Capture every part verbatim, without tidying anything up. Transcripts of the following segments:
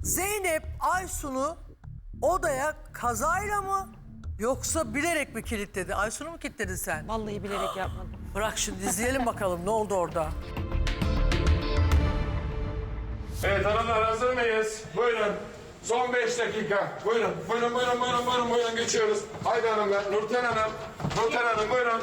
Zeynep Aysun'u odaya kazayla mı yoksa bilerek mi kilitledi? Aysun'u mu kilitledin sen? Vallahi bilerek yapmadım. Bırak şimdi izleyelim bakalım ne oldu orada. Evet hanımlar hazır mıyız? Buyurun. Son beş dakika. Buyurun. Buyurun buyurun buyurun buyurun buyurun geçiyoruz. Haydi hanımlar. Nurten Hanım. Nurten Hanım buyurun.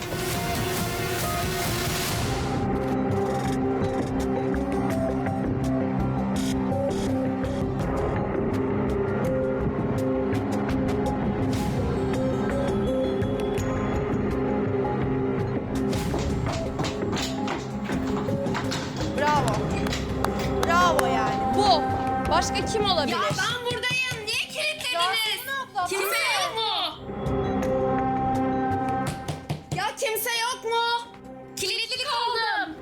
Bravo. Bravo yani. Bu. Başka kim olabilir? Ya ben buradayım. Niye kilitlediniz? Kimse yok mu? Ya kimse yok mu? Kilitli kaldım.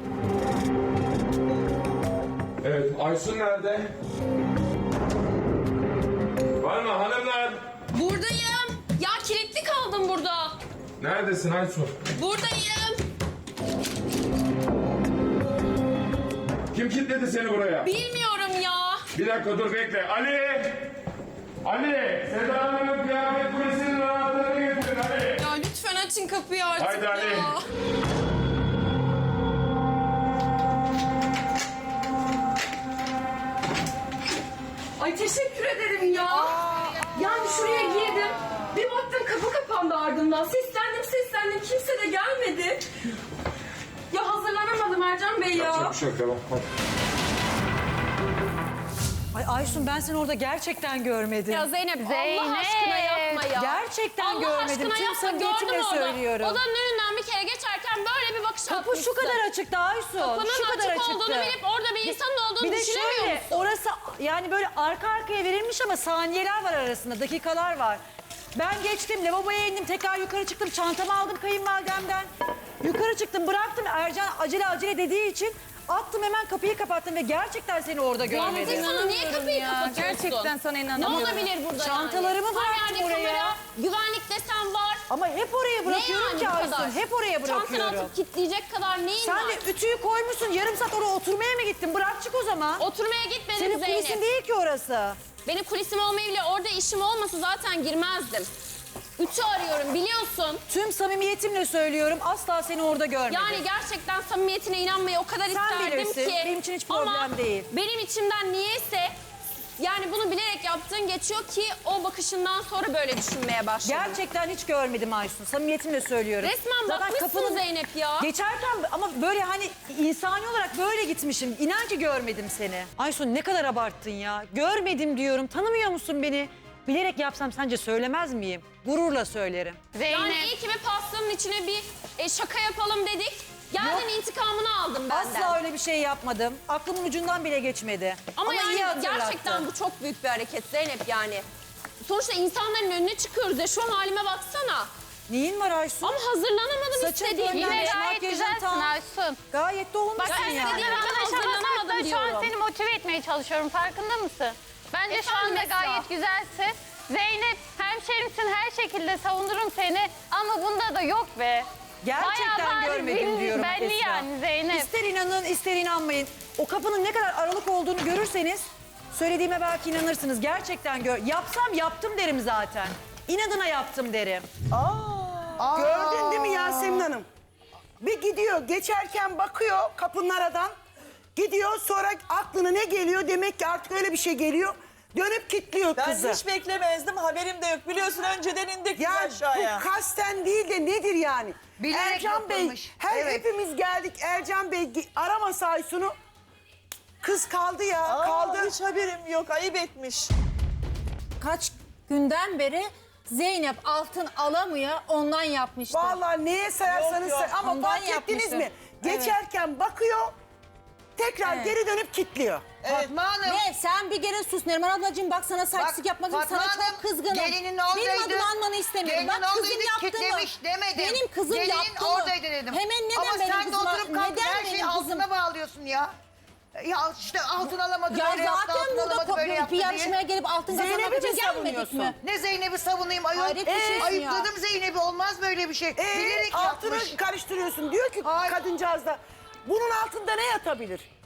Evet Aysun nerede? Var mı hanımlar? Buradayım. Ya kilitli kaldım burada. Neredesin Aysun? Buradayım. Kim kilitledi seni buraya? Bilmiyorum ya. Bir dakika dur bekle. Ali! Ali! Seda Hanım'ın kıyafet kulesinin anahtarını getirin Ali. Ya lütfen açın kapıyı artık Haydi ya. Ali. Ay teşekkür ederim ya. Yani şuraya girdim. Bir baktım kapı kapandı ardımdan. Seslendim seslendim. Kimse de gelmedi. Ya hazırlanamadım Ercan Bey ya. Yapacak bir şey yok tamam. Hadi. Ay Aysun ben seni orada gerçekten görmedim. Ya Zeynep, Allah Zeynep. aşkına yapma ya. Gerçekten Allah görmedim. aşkına Tüm yapma. samimiyetimle Gördüm orada. söylüyorum. Odanın önünden bir kere geçerken böyle bir bakış Kapı atmışsın. şu kadar açıktı Aysun. Kapının şu kadar açık açıktı. olduğunu bilip orada bir insanın olduğunu Bir de düşünemiyor şöyle musun? orası yani böyle arka arkaya verilmiş ama saniyeler var arasında, dakikalar var. Ben geçtim, lavaboya indim, tekrar yukarı çıktım, çantamı aldım kayınvalidemden. Yukarı çıktım, bıraktım. Ercan acele acele dediği için attım, hemen kapıyı kapattım ve gerçekten seni orada görmedim. Anladın sana niye kapıyı kapatıyorsun? Gerçekten sana Ne inanamıyorum. olabilir burada Çantalarımı yani? bıraktım Her yerde oraya. kamera, güvenlik desen var. Ama hep oraya bırakıyorum ne ki yani bu kadar? Aysun, hep oraya Çantana bırakıyorum. atıp kilitleyecek kadar neyin Sen var? de ütüyü koymuşsun, yarım saat oraya oturmaya mı gittin? Bırak çık o zaman. Oturmaya gitmedim Senin Zeynep. kulisin değil ki orası. Benim kulisim olmayabilir. Orada işim olmasa zaten girmezdim. Ütü arıyorum biliyorsun. Tüm samimiyetimle söylüyorum, asla seni orada görmedim. Yani gerçekten samimiyetine inanmayı o kadar Sen isterdim bilirsin, ki. benim için hiç problem Ama değil. benim içimden niyeyse yani bunu bilerek yaptığın geçiyor ki o bakışından sonra böyle düşünmeye başladım. Gerçekten hiç görmedim Aysun. Samimiyetimle söylüyorum. Resmen bakmışsın Zeynep ya. Geçerken ama böyle hani insani olarak böyle gitmişim. İnan ki görmedim seni. Aysun ne kadar abarttın ya. Görmedim diyorum. Tanımıyor musun beni? Bilerek yapsam sence söylemez miyim? Gururla söylerim. Yani iyi ki bir pastanın içine bir e, şaka yapalım dedik. Geldin intikamını aldın benden. Asla öyle bir şey yapmadım. Aklımın ucundan bile geçmedi. Ama, iyi yani hatırlattın. gerçekten bu çok büyük bir hareket Zeynep yani. Sonuçta insanların önüne çıkıyoruz ya, şu halime baksana. Neyin var Aysun? Ama hazırlanamadım Saçın istediğim fönlenmiş, gibi. Yine gayet makyajın güzelsin tam. Aysun. Gayet de olmuşsun Bak sen yani. istediğin gibi hazırlanamadım Şu an diyorum. seni motive etmeye çalışıyorum, farkında mısın? Bence şu Efendim anda Esra? gayet güzelsin. Zeynep, hemşerimsin, her şekilde savunurum seni. Ama bunda da yok be. Gerçekten Bayağı bariz görmedim belli- diyorum belli Esra. yani Zeynep. İster inanın ister inanmayın. O kapının ne kadar aralık olduğunu görürseniz söylediğime belki inanırsınız. Gerçekten gör. Yapsam yaptım derim zaten. İnadına yaptım derim. Gördün değil mi Yasemin Hanım? Bir gidiyor, geçerken bakıyor kapının aradan. Gidiyor, sonra aklına ne geliyor? Demek ki artık öyle bir şey geliyor. Dönüp kilitliyor Ben kızı. hiç beklemezdim, haberim de yok. Biliyorsun önceden indik Ya biz aşağıya. bu kasten değil de nedir yani? Bilerek Ercan Bey, yapılmış. her Evet. hepimiz geldik. Ercan Bey gi- aramasa Aysun'u. Kız kaldı ya, Aa, kaldı. hiç haberim yok, ayıp etmiş. Kaç günden beri Zeynep altın alamıyor, ondan yapmıştı. Vallahi neye sayarsanız Yok, yok, say- ama ondan fark ettiniz yapmışım. mi? Geçerken bakıyor, tekrar Evet. geri dönüp kilitliyor. Fatma Hanım. Ne? Sen bir kere sus Neriman ablacığım, bak sana saçlık Bak, yapmak için Fatma sana Hanım, çok kızgınım. gelinin Benim oradaydı. adımı anmanı istemiyorum. Gelinin Bak kızım oradaydı, yaptı mı? kitlemiş demedim. Benim kızım Gelinin yaptı mı? oradaydı dedim. Hemen neden Ama benim sen de kızıma, oturup kalkıp neden her benim şeyi kızım? altına bağlıyorsun ya. Ya işte altın alamadı, Ya böyle yaptı, zaten altın burada alamadı, böyle kopya yaptı bir yarışmaya diye. gelip altın Zeynep'i kazanmak mi için gelmedik savunuyorsun? mi? Ne Zeynep'i savunayım ayol. Hayret bir şeysin ya. Ayıpladım Zeynep'i, olmaz böyle bir şey. Ee, Bilerek altını yapmış. karıştırıyorsun. Diyor ki Hayır. kadıncağız da bunun altında ne yatabilir?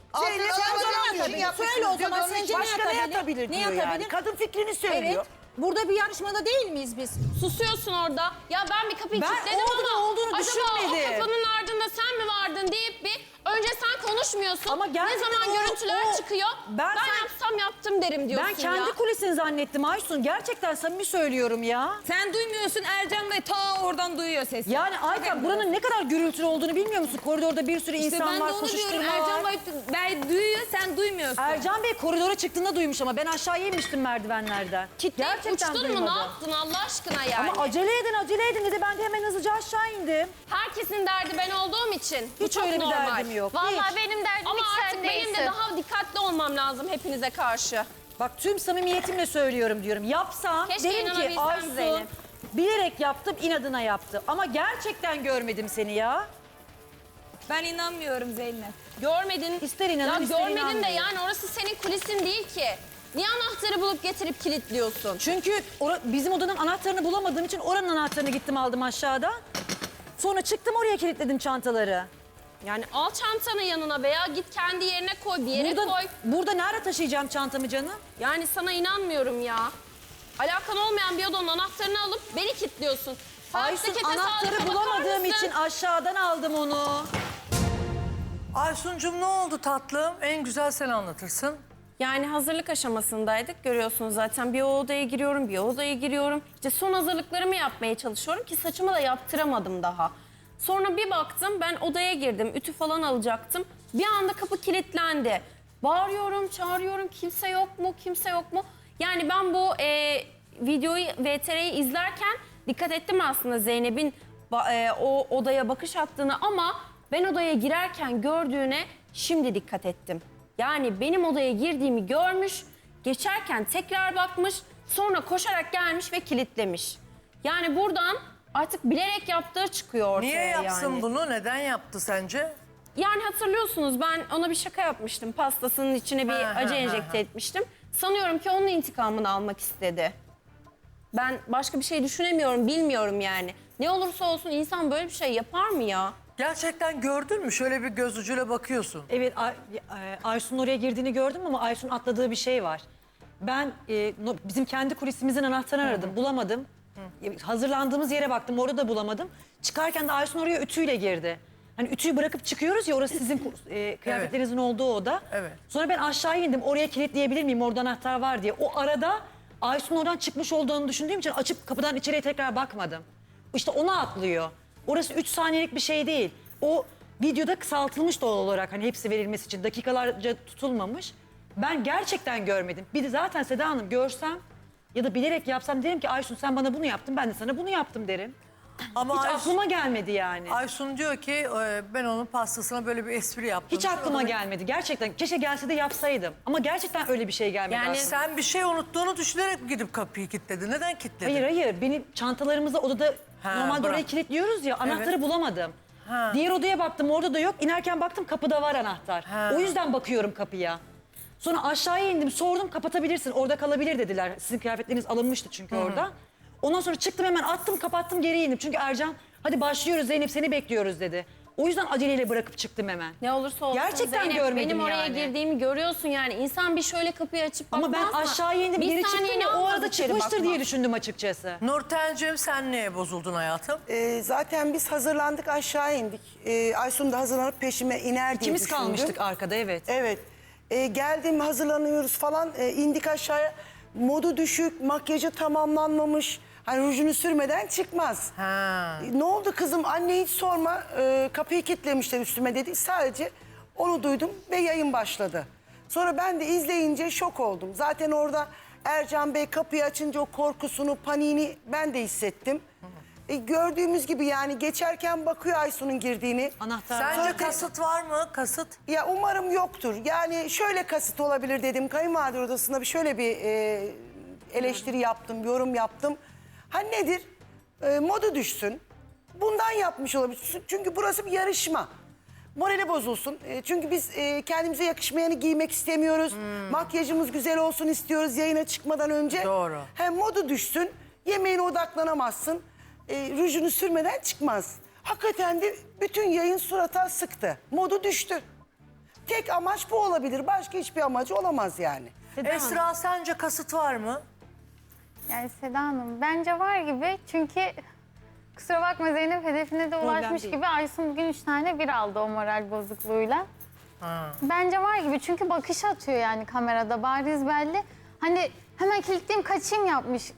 Zeynep Altın sen alamamak zaman için yapıyorsun. yapmışsınız Söyle o diyor, zaman onun sence için. ne Başka ne atabilir? atabilir Ne diyor yani. atabilir? Kadın fikrini söylüyor. Evet. Burada bir yarışmada değil miyiz biz? Susuyorsun orada. Ya ben bir kapıyı Ben kilitledim olduğunu ama olduğunu acaba düşünmedim. o kapının ardında sen mi vardın deyip bir önce sen konuşmuyorsun. Ama ne gerçekten zaman o- görüntüler o- çıkıyor. Ben Ben, sen- yapsam yaptım derim diyorsun Ben kendi ya. kulisini zannettim Aysun. Gerçekten samimi söylüyorum ya. Sen duymuyorsun, Ercan ve ta oradan duyuyor sesi. Yani Ayten buranın ne kadar gürültülü olduğunu bilmiyor musun? Koridorda bir sürü İşte insan ben de var, onu diyorum. koşuşturma Ercan var. Bey, Bey duyuyor, sen duymuyorsun. Ercan Bey koridora çıktığında duymuş ama ben aşağıya inmiştim merdivenlerden. Kitleyip uçtun mu? Ne duymadım. yaptın Allah aşkına yani? Ama acele edin, acele edin dedi. Ben de hemen hızlıca aşağı indim. Herkesin derdi ben olduğum için. Bu Hiç çok öyle bir normal. derdim yok. Vallahi Hiç. benim derdim Ama hiç artık sen benim değilsin. de daha dikkatli olmam lazım hepinize karşı. Bak tüm samimiyetimle söylüyorum diyorum. Yapsam Keşke derim ki inanabilsem Aysun Zeynep. bilerek yaptım, inadına yaptı. Ama gerçekten görmedim seni ya. Ben inanmıyorum Zeynep. Görmedin. İster inanın, ya ister görmedin de inanmayın. yani orası senin kulisin değil ki. Niye anahtarı bulup getirip kilitliyorsun? Çünkü ora- bizim odanın anahtarını bulamadığım için oranın anahtarını gittim aldım aşağıda. Sonra çıktım oraya kilitledim çantaları. Yani al çantanı yanına veya git kendi yerine koy, bir yere Burada, koy. burada nerede taşıyacağım çantamı canım? Yani sana inanmıyorum ya. Alakan olmayan bir odanın anahtarını alıp beni kilitliyorsun. Aysun Saatte kete anahtarı sağlıklı bakar bulamadığım mısın? için aşağıdan aldım onu. Aysun'cum ne oldu tatlım? En güzel sen anlatırsın. Yani hazırlık aşamasındaydık. Görüyorsunuz zaten bir o odaya giriyorum, bir o odaya giriyorum. İşte son hazırlıklarımı yapmaya çalışıyorum ki saçımı da yaptıramadım daha. Sonra bir baktım ben odaya girdim, ütü falan alacaktım. Bir anda kapı kilitlendi. Bağırıyorum, çağırıyorum, kimse yok mu, kimse yok mu? Yani ben bu e, videoyu, V T R'yi izlerken dikkat ettim aslında Zeynep'in ba- e, o odaya bakış attığını ama ben odaya girerken gördüğüne şimdi dikkat ettim. Yani benim odaya girdiğimi görmüş, geçerken tekrar bakmış, sonra koşarak gelmiş ve kilitlemiş. Yani buradan artık bilerek yaptığı çıkıyor ortaya. Niye yapsın yani. bunu? Neden yaptı sence? Yani hatırlıyorsunuz ben ona bir şaka yapmıştım. Pastasının içine bir Ha, ha, acı ha, enjekte ha. etmiştim. Sanıyorum ki onun intikamını almak istedi. Ben başka bir şey düşünemiyorum, bilmiyorum yani. Ne olursa olsun insan böyle bir şey yapar mı ya? Gerçekten gördün mü? Şöyle bir göz ucuyla bakıyorsun. Evet Ay- e, Aysun'un oraya girdiğini gördüm ama Aysun atladığı bir şey var. Ben e, no- bizim kendi kulisimizin anahtarını aradım, bulamadım. E, Hazırlandığımız yere baktım, orada da bulamadım. Çıkarken de Aysun oraya ütüyle girdi. Hani ütüyü bırakıp çıkıyoruz ya, orası sizin ku- e, kıyafetlerinizin olduğu oda. Evet. Sonra ben aşağı indim, oraya kilitleyebilir miyim, orada anahtar var diye. O arada Aysun oradan çıkmış olduğunu düşündüğüm için açıp kapıdan içeriye tekrar bakmadım. İşte ona atlıyor. Orası üç saniyelik bir şey değil. O videoda kısaltılmış doğal olarak, hani hepsi verilmesi için dakikalarca tutulmamış. Ben gerçekten görmedim. Bir de zaten Seda Hanım görsem ya da bilerek yapsam derim ki Aysun sen bana bunu yaptın, ben de sana bunu yaptım derim. Ama Hiç Aysun, aklıma gelmedi yani. Aysun diyor ki e, ben onun pastasına böyle bir espri yaptım. Hiç aklıma gelmedi gerçekten. Keşke gelse de yapsaydım. Ama gerçekten öyle bir şey gelmedi Yani aklıma. Sen bir şey unuttuğunu düşünerek mi gidip kapıyı kilitledin? Neden kilitledin? Hayır hayır, benim çantalarımızı odada Ha, normalde bırak. oraya kilitliyoruz ya, anahtarı Evet. bulamadım. Ha. Diğer odaya baktım, orada da yok. İnerken baktım kapıda var anahtar. Ha. O yüzden bakıyorum kapıya. Sonra aşağıya indim, sordum kapatabilirsin, orada kalabilir dediler. Sizin kıyafetleriniz alınmıştı çünkü orada. Ondan sonra çıktım hemen attım, kapattım, geri indim. Çünkü Ercan hadi başlıyoruz Zeynep seni bekliyoruz dedi. O yüzden aceleyle bırakıp çıktım hemen. Ne olursa olsun Gerçekten Zeynep, görmedim benim oraya yani. girdiğimi görüyorsun yani. İnsan bir şöyle kapıyı açıp Ama bakmaz ben mı? aşağıya indim, Bir geri saniye çıktım ya, ne o olmaz arada içeri çıkmıştır bakma. diye düşündüm açıkçası. Nurten'cim sen neye bozuldun hayatım? Ee, zaten biz hazırlandık aşağı indik. Ee, Aysun da hazırlanıp peşime iner diye İkimiz düşündüm. kalmıştık arkada, evet. Evet. Ee, geldim hazırlanıyoruz falan. Ee, indik aşağıya. Modu düşük, makyajı tamamlanmamış. Hani rujunu sürmeden çıkmaz. Ha. Ne oldu kızım? Anne hiç sorma. Ee, kapıyı kilitlemişler üstüme dedi. Sadece onu duydum ve yayın başladı. Sonra ben de izleyince şok oldum. Zaten orada Ercan Bey kapıyı açınca o korkusunu, paniğini ben de hissettim. E, gördüğümüz gibi yani geçerken bakıyor Aysun'un girdiğini. Anahtar. Sence Sonra- kasıt var mı? Kasıt? Ya umarım yoktur. Yani şöyle kasıt olabilir dedim. Kayınvalide odasında bir şöyle bir e, eleştiri yaptım, yorum yaptım. Ha nedir? E, modu düşsün. Bundan yapmış olabilir. Çünkü burası bir yarışma. Morali bozulsun. E, çünkü biz e, kendimize yakışmayanı giymek istemiyoruz. Makyajımız güzel olsun istiyoruz yayına çıkmadan önce. Doğru. Hem modu düşsün. Yemeğine odaklanamazsın. E, rujunu sürmeden çıkmaz. Hakikaten de bütün yayın surata sıktı. Modu düştü. tek amaç bu olabilir. Başka hiçbir amacı olamaz yani. Esra sence kasıt var mı? Yani Seda Hanım bence var gibi çünkü kusura bakma Zeynep hedefine de ulaşmış değil. gibi Aysun bugün üç tane bir aldı o moral bozukluğuyla. Bence var gibi çünkü bakış atıyor yani kamerada bariz belli. Hani hemen kilitleyeyim kaçayım yapmış.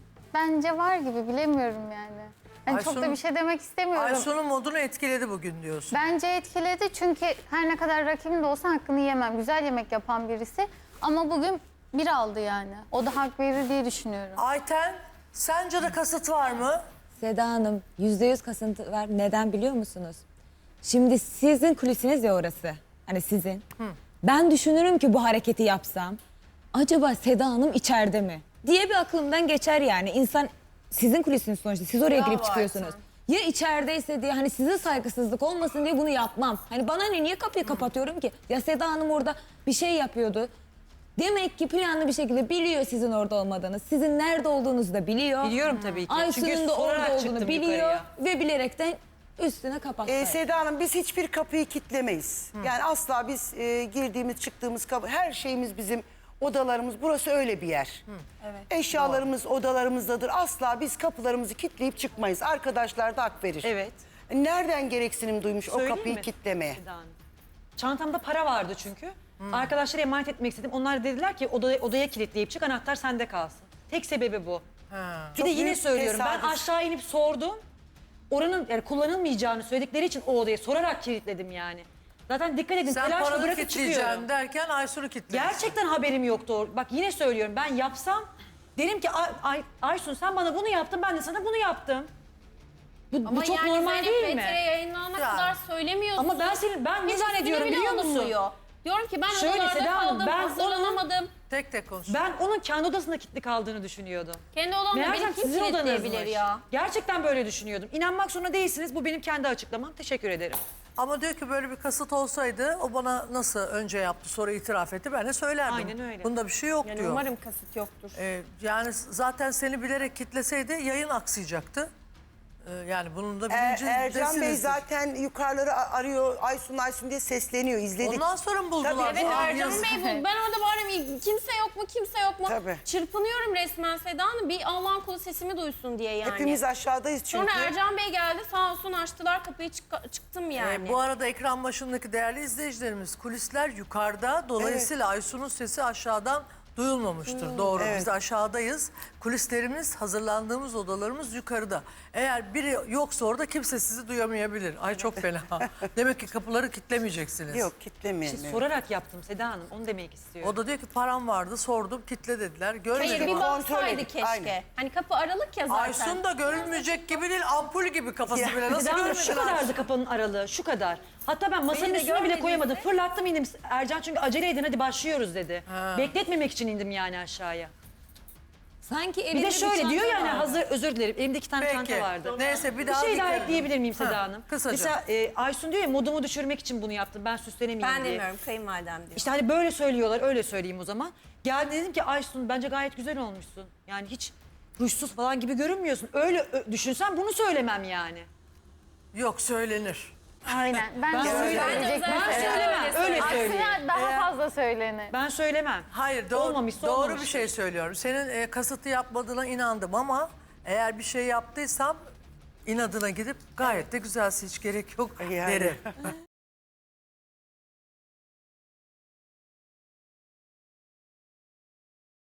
Bence var gibi bilemiyorum yani. Hani çok da Aysun- bir şey demek istemiyorum. Aysun'un modunu etkiledi bugün diyorsun. Bence etkiledi çünkü her ne kadar rakibim de olsa hakkını yemem. Güzel yemek yapan birisi ama bugün bir aldı yani. O da hak verir diye düşünüyorum. Ayten sence de kasıt var mı? Seda Hanım yüzde yüz kasıntı var. Neden biliyor musunuz? Şimdi sizin kulisiniz ya orası. Hani sizin. Ben düşünürüm ki bu hareketi yapsam. Acaba Seda Hanım içeride mi? Diye bir aklımdan geçer yani. İnsan sizin kulisiniz sonuçta. Siz oraya Bravo girip çıkıyorsunuz. Ya içerideyse diye hani size saygısızlık olmasın diye bunu yapmam. Hani bana ne niye kapıyı kapatıyorum ki? Ya Seda Hanım orada bir şey yapıyordu. Demek ki planlı bir şekilde biliyor sizin orada olmadığınız. Sizin nerede olduğunuzu da biliyor. Biliyorum tabii ki. Aysun'un Çünkü da sorarak orada çıktım olduğunu biliyor yukarıya. ve bilerekten üstüne kapattı. Ee, Seda Hanım biz hiçbir kapıyı kitlemeyiz. Yani asla biz e, girdiğimiz çıktığımız kapı her şeyimiz bizim odalarımız burası öyle bir yer. Eşyalarımız odalarımızdadır. Asla biz kapılarımızı kitleyip çıkmayız. Arkadaşlar da hak verir. Evet. Nereden gereksinim duymuş Söyleyeyim o kapıyı mi? kitlemeye? Seda Hanım. Çantamda para vardı çünkü. Arkadaşlara emanet etmek istedim. Onlar dediler ki odaya, odaya kilitleyip çık anahtar sende kalsın. Tek sebebi bu. Bir Çok de yine büyük söylüyorum ben tesadüf. aşağı inip sordum. Oranın yani kullanılmayacağını söyledikleri için o odaya sorarak kilitledim yani. Zaten dikkat edin Sen telaşla paranı bırakıp çıkıyorum. kitleyeceksin derken Aysun'u kitlemişsin. Gerçekten haberim yoktu. o- Bak yine söylüyorum ben yapsam derim ki Ay, Ay- Aysun sen bana bunu yaptın ben de sana bunu yaptım. Bu, bu çok normal değil mi? yayınlanana Ya. kadar söylemiyorsun. Ama ben senin ben ne Hiç zannediyorum üstüne bile biliyor musun? alınmıyor. Diyorum ki ben Şöyle odalarda Seda Hanım, kaldım, ben hazırlanamadım. Tek tek konuş. Ben onun kendi odasında kilitli kaldığını düşünüyordum. Kendi odamda Meğersem beni kim sizin kilitleyebilir odanızmış. ya? Gerçekten böyle düşünüyordum. İnanmak zorunda değilsiniz. Bu benim kendi açıklamam. Teşekkür ederim. Ama diyor ki böyle bir kasıt olsaydı o bana nasıl önce yaptı sonra itiraf etti ben de söylerdim. Aynen öyle. Bunda bir şey yok Yani diyor. umarım kasıt yoktur. Ee, yani zaten seni bilerek kitleseydi yayın aksayacaktı. Ee, yani bunun da Er- bilincindesiniz. Ercan Bey zaten yukarıları a- arıyor Aysun Aysun diye sesleniyor izledik. Ondan sonra mı buldular? Tabii, Evet Aa, Ercan yazık. Bey bu. Ben orada bağırıyorum kimse yok mu kimse yok mu? Tabii. Çırpınıyorum resmen Seda Hanım. Bir Allah'ın kulu sesimi duysun diye yani. Hepimiz aşağıdayız çünkü. Sonra Ercan Bey geldi sağ olsun açtılar kapıyı çık- çıktım yani. Ee, bu arada ekran başındaki değerli izleyicilerimiz kulisler yukarıda. Dolayısıyla Aysun'un sesi aşağıdan duyulmamıştır. Doğru. evet. Biz aşağıdayız. Kulislerimiz, hazırlandığımız odalarımız yukarıda. Eğer biri yoksa orada kimse sizi duyamayabilir. Ay çok fena. Demek ki kapıları kitlemeyeceksiniz. Yok kitlemeyelim. İşte sorarak yaptım Seda Hanım. Onu demek istiyorum. O da diyor ki param vardı sordum kitle dediler. Görmedim. Hayır bir kontrol baksaydı edip, keşke. aynen. Hani kapı aralık ya zaten. Aysun da görülmeyecek gibi değil ampul gibi kafası Ya. bile. Nasıl Seda Hanım görmedin şu Aysun? kadardı kapının aralığı. Şu kadar. Hatta ben masanın Beni de üstüne bile görmediyse- koyamadım. Fırlattım indim. Ercan çünkü acele edin hadi başlıyoruz dedi. Bekletmemek için indim yani aşağıya. Sanki Bir elinde de şöyle çanta diyor yani vardı. hazır özür dilerim elimde iki tane Peki. çanta vardı. Neyse bir Bir daha şey daha dikkat edin. ekleyebilir miyim Seda Ha, Hanım? kısaca. Mesela e, Aysun diyor ya modumu düşürmek için bunu yaptım ben süslenemeyeyim diye. kayınvalidem diyor. İşte hani böyle söylüyorlar öyle söyleyeyim o zaman. Geldi dedim ki Aysun bence gayet güzel olmuşsun. Yani hiç ruşsuz falan gibi görünmüyorsun. Öyle ö- düşünsen bunu söylemem yani. Yok söylenir. Aynen. Ben, Ben de söylemem. söyleyecek Ben mesela. söylemem. Öyle söyleyeyim. Aksine daha fazla söylenir. Ben söylemem. Hayır doğru, Olmamışsa doğru olmamıştır. bir şey söylüyorum. Senin e, kasıtlı yapmadığına inandım ama eğer bir şey yaptıysam inadına gidip gayet de güzelsin hiç gerek yok Yani. derim.